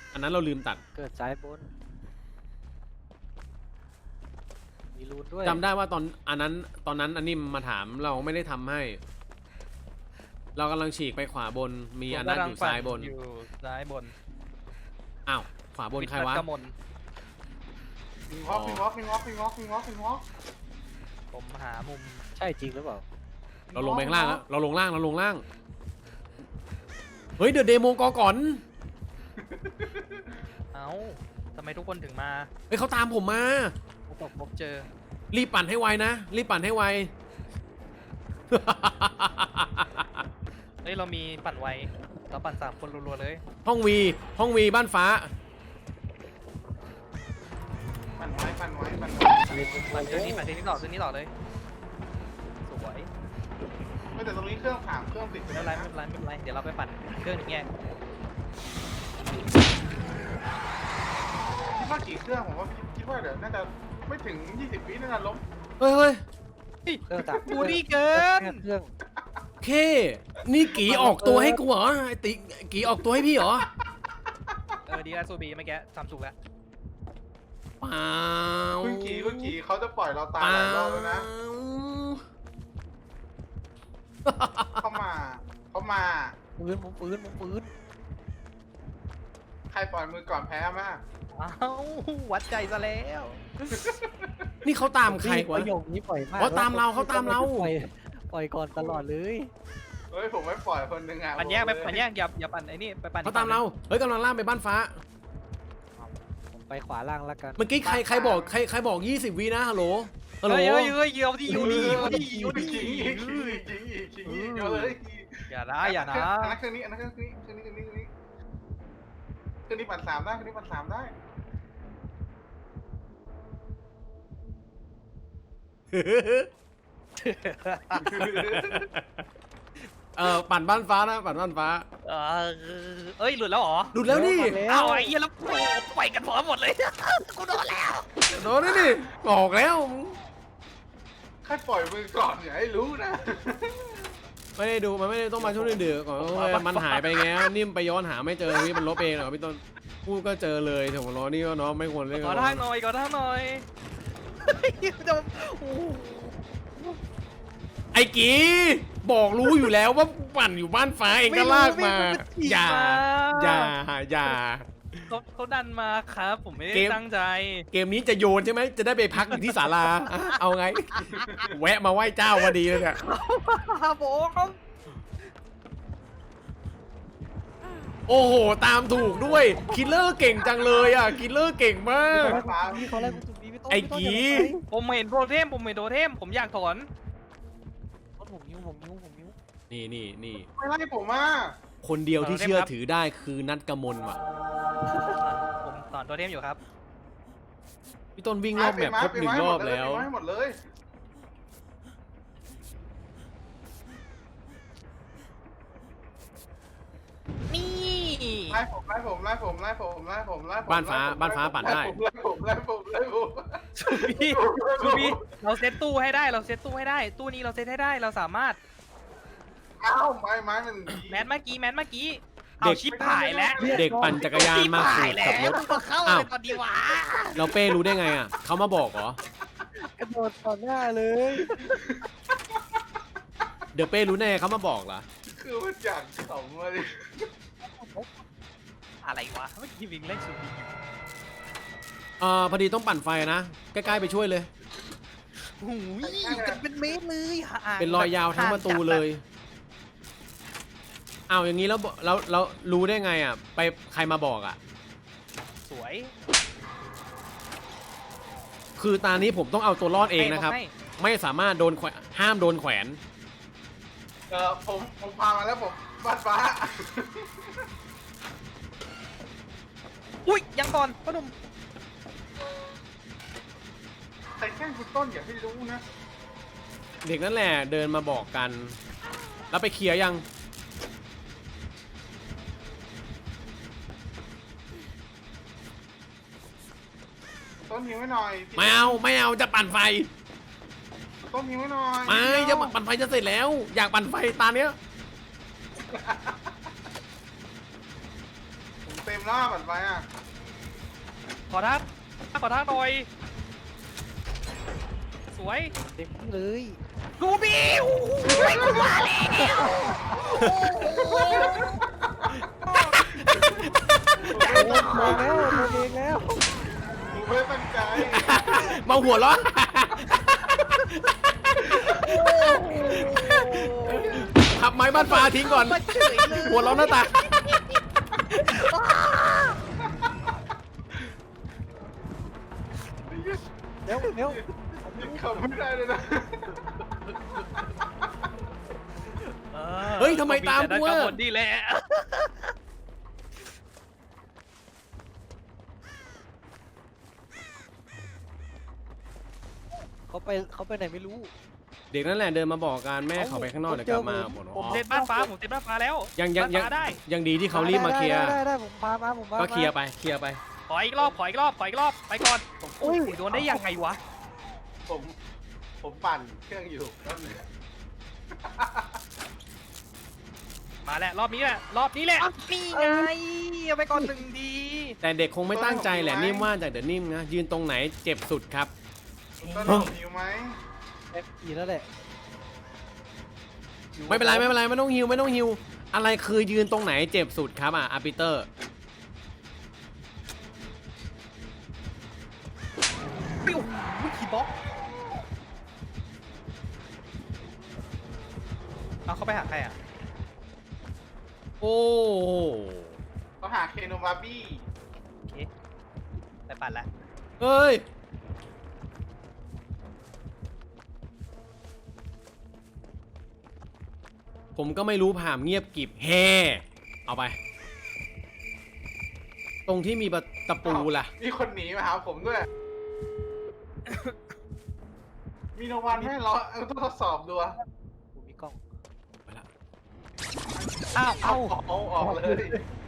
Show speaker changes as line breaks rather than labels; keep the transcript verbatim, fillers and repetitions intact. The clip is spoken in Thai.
อันนั้นเราลืมตัด
เกิดซ้ายบนมีรูนด้วย
จำได้ว่าตอนอันนั้นตอนนั้นอันนี้มาถามเราไม่ได้ทำให้ เรากำลังฉีกไปขวาบนมีอันนั้นอยู่ซ้ายบน
อยู่ซ้ายบน
อ้าวขวาบนใครวะ
พิงวอล์กพิงวอล์กพิงวอล์กพิงวอล์กพิงวอล์กพิงวอล์ก
ผมหามุม
ใช่จริงหรือเปล่า
เราลงไปข้างล่างแล้วเราลงล่างเราลงล่างเฮ้ยเดอะเดโมกอก่อน
เอ้าทำไมทุกคนถึงมา
เฮ้ยเขาตามผมมา
ตกพบเจอ
รีบปั่นให้ไวนะรีบปั่นให้ไว
เฮ้ยเรามีปั่นไวเราปั่นสามคนรัวๆเลย
ห้องวีห้องวีบ้านฟ้า
ปั่นไว้ปั่นไว้ปั่นไว้
ปั่นเรื่องนี้ปั่นเรื่องนี้ต่อเรื่องนี้ต่อเลยสวย
ไม่แต่ตรงนี้เครื่องผ่านเครื่องติด
ไม่เป็นไรไม่เป็นไรไม่เป็นไรเดี๋ยวเราไปปั่นเครื่องแยก
คิดว่ากี่เครื่องผมว่าคิดว่าเดี๋ยวน่าจะไม่ถึงยี่สิบวิน่าจะล้ม
เฮ้ยเฮ้ย
เครื่องตัก
บูรี่เกิน
เครื่อง
เคนี่กีออกตัวให้กูเหรอไอติกีออกตัวให้พี่เหรอ
เออดีแล้วซูบีเมื่อกี้ทำถูกแล้ว
เปล่า
คุณกีคุณกีเขาจะปล่อยเราตายหลายรอบแล้วนะเขามาเขามา
ปืนมุมปืนมุมปืน
ใครปล่อยมือก่อนแพ้มาก
อ้าววัดใจซะแล้ว
นี่เขาตามใครวะ
ประโยคนี้ปล่อยมาก
เขาตามเราเขาตามเรา
ปล่อยปล่อยก่อนตลอดเลย
เฮ้ยผมไม่ปล่อยคนหนึ่งอ่ะ
ปั่นแยกไปปั่นแยกอย่าอย่าปั่นไอ้นี่ไปปั่น
เขาตามเราเฮ้ยกำลังล่างไปบ้านฟ้า
ผมไปขวาล่างแล้วกัน
เมื่อกี้ใครใครบอกใครใครบอกยี่สิบวินะฮัลโหลฮัลโหล
เฮ้ยเฮ้ยเฮ้ยเยี่ยวดิเยี่ยวดิเยี่ยวดิเยี่ยวดิ
จริงจริงจริงจริงเยอะเลย
อย่านะอย่านะ
อันนั้นเครื่องนี้อันนั้นเครื่องนี้เครื่องนี้เครื่องนี้เครื่องนี้เครื่องนี้ปั่นสามได้เครื่องนี้ปั่นสามได้
เออปั่นบ้านฟ้านะปั่นบ้านฟ้า
เออเอ้ยหลุดแล้วเหรอ
หลุดแล้วนี่
เอาไอ้เหี้ยแล้วไปกันพร้อมหมดเลยกูโดนแล้ว
โดนนี่นี่บอกแล้ว
ใครปล่อยมือก่อนอย่าให้รู้นะ
ไม่ได้ดูมันไม่ได้ต้องมาช่วงดื้อก่อนมันหายไปไงนิ่มไปย้อนหาไม่เจอนี่มันลบเองเหรอพี่ต้นพูดก็เจอเลยถึงล้อนี่ก็เนาะไม่ควรเล่น
ขอทางหน่อยขอทางหน่อยจะ
ไอ้กีบอกรู้อยู่แล้วว่าปั่นอยู่บ้านฟ้าเองก็ลากมาอย่าอย่าอย่า
เขาเขาดันมาครับผมไม่ได้ตั้งใจ
เกมนี้จะโยนใช่ไหมจะได้ไปพักอยู่ที่ศาลาเอาไงแวะมาไหว้เจ้าพอดีเลยเนี่ย
โบ้ครับ
โอ้โหตามถูกด้วยคิลเลอร์เก่งจังเลยอ่ะคิลเลอร์เก่งมากไอ้กี
ผมเห็นโปรเทมผมเห็นโปรเทมผมอยากถอน
ผมนิ้วผมนิ้วผมนิ้ว
นี่นี่นี่
ไม่ไล่ผมอ่ะ
คนเดียวที่เชื่อถือได้คือนัทกมลว่ะ
ผมถอนโปรเทมอยู่ครับ
พี่ต้นวิ่งรอบแบบครบหนึ่งรอบแล้ว
หมดเลย
นี่
ไล่ผมไล่ผมไล่ผมไล่ผมไล่ผมไล่ผม
บ้านฟ้าบ้านฟ้าปั่นได้
ไล่ผมไล่ผมไล่ผม
ชูบี้ชูบี้เราเซตตู้ให้ได้เราเซตตู้ให้ได้ตู้นี้เราเซตให้ได้เราสามารถ
อ้าวไม้ไม้มัน
แมนเมื่อกี้แมนเมื่อกี้เอาชิปหายแล้ว
เด็กปั่นจักรยานมาขูดขับรถ
เข้าเลยตอนดีวะ
เราเป้รู้ได้ไงอ่ะเขามาบอกเหร
อกระโดดต่อหน้าเลย
เดี๋ยวเป้รู้แน่เขามาบอกเหรอ
คือมันอยากสองเลย
อะไรวะเมื่อกี้วิ่งเล่นสุด
เอ่อพอดีต้องปั่นไฟนะใกล้ๆไปช่วยเลย
หูยกันเป็นเมตรเลย
เป็นรอยยาวทั้งประตูเลยอ้าวอย่างนี้แล้วเราเรารู้ได้ไงอ่ะไปใครมาบอกอ่ะ
สวย
คือตานี้ผมต้องเอาตัวรอดเองนะครับไม่สามารถโดนแขวนห้ามโดนแขวน
เออผมผมพามาแล้วผมบ้านฟ้า
อุ้ยยังก่อนพ่อหนุ่ม
ใครแกล้งคุณต้นอย่าให้รู้นะ
เด็กนั่นแหละเดินมาบอกกันแล้วไปเคลียร์ยัง
ต้นหิวไว้หน่อย
ไม่เอาไม่เอาจะปั่นไฟ
ต้นหิวไว้หน่อย
ไม่จะปั่นไฟจะเสร็จแล้วอยากปั่นไฟตาเนี้ย
ผมเต็มมแล้วบัตรไฟอ่ะ
ขอทางขอทางหน่อย สวย
เต็มที่เลย
กูบีโอ้ยกูมาแล้ว
โดนโดนแล้วโดนเองแล้ว
ผมไม่ได้ตั้งใจ
มาหัวเร้อนขับไม้บ้านฟ้าทิ้งก่อน
มาเฉยเลย
หัวเร้อนหน้าตา
เร็วเร็ว
ยังขับไม่ได้เลยนะ
เฮ้ยทำไมตามกู
กู
อะ
หมดนี่แหละ
เขาไปเขาไปไหนไม่รู้
เด็กนั่นแหละเดินมาบอกกันแม่เขาไปข้างนอกเดี๋ยวกลับมาหมด
ผมเซ็ตบ้านฟ้าผมเซ็ตบ้านฟ้าแล้ว
ยังยังยัง
บ้านฟ้าได้
ยังดีที่เขารีบมาเคลียร์
ได้ได้ได้ผมพามาผมพามา
ก็เคลียร์ไปเคลียร์ไป
ขออีกรอบขออีกรอบขออีกรอบไปก่อน
อุ้ย
โดนได้ยังไงวะ
ผมผมปั่นเครื่องอยู่แป๊บนึง
มาแล้วรอบนี้แหละรอบนี้แหละนี่ไงเอาไปก่อนหนึ่งดี
แต่เด็กคงไม่ตั้งใจแหละนิ่มว่าจากเดี๋ยวนิ่มนะยืนตรงไหนเจ็บสุดครับ
ต้นหอมหิวไหม
เต็มที่แล้วแหละ
ไม่เป็นไรไม่เป็นไรไม่ต้องฮิวไม่ต้องฮิวอะไรคือยืนตรงไหนเจ็บสุดครับอ่ะอาร์ปิเตอร์
ปิ้ววิคีบ็อกเอาเขาไปหาใครอ่ะ
โอ้
เขาหาเคโนบาร์บี้
โอเคไปปั่นละ
เฮ้ยผมก็ไม่รู้ผ่ามเงียบกริบแฮ่เอาไป ตรงที่มีประตะปูล่ะ
มีคนหนีมาหาผมด้วย มีโนวันให้เราเอาต้องทดสอบดูอะ
ผมมีกล้อง
ไปละ
อ้าว
เอาเอาออกเลย